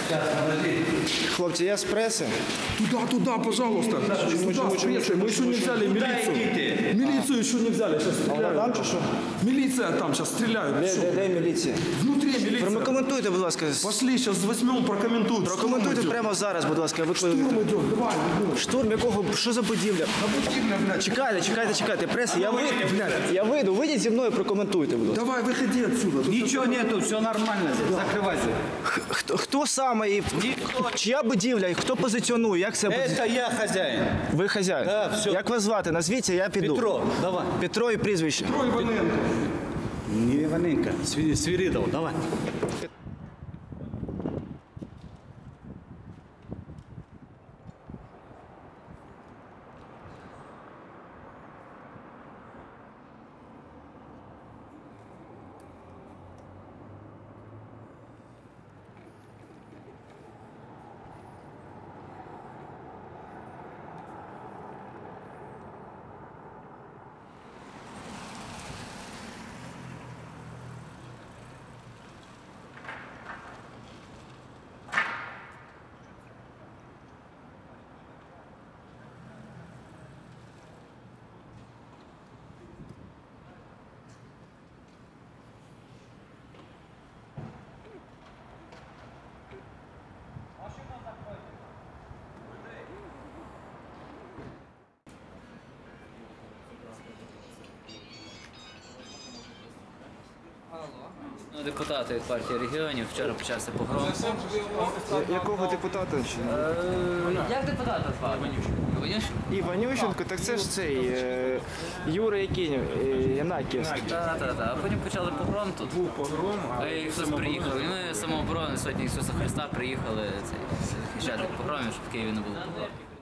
Хлопці, я з преси. Туда, пожалуйста. Туда, с прессой. Мы еще не взяли милицию. Милицию еще не взяли, сейчас стреляют. Там чи що? Милиция там, сейчас стреляют. Де міліція? Внутри милиция. Прокоментуйте, будь ласка. Пошли, сейчас возьмем, прокомментуют. Прокоментуйте прямо зараз, будь ласка. Штурм идет, давай. Штурм якого? Що за будівля? Чекайте, преса, я вийду, вийдіть зі мною, прокоментуйте, будь ласка. Давай, выходи отсюда. Ничего нету, все нормально здесь. Закрывайся. Хто саме і чия будівля, і хто позиціонує, як це буде? Это я хозяин. Ви хазяїн? Да, все. Як вас звати? Назвіться, я піду. Петро, давай. Петро і прізвище. Трой Иваненко. Не Иваненко, Свиридов, давай. Депутати від партії регіонів вчора почався погром. Якого депутата? Як депутата звати? Іванющенко, так це ж цей Юра Янаківський. Так. А потім почали погром тут. Був погром, а Ісус приїхав. І ми самооборони Сотні Ісуса Христа приїхали захищати погромів, щоб в Києві не було погромів.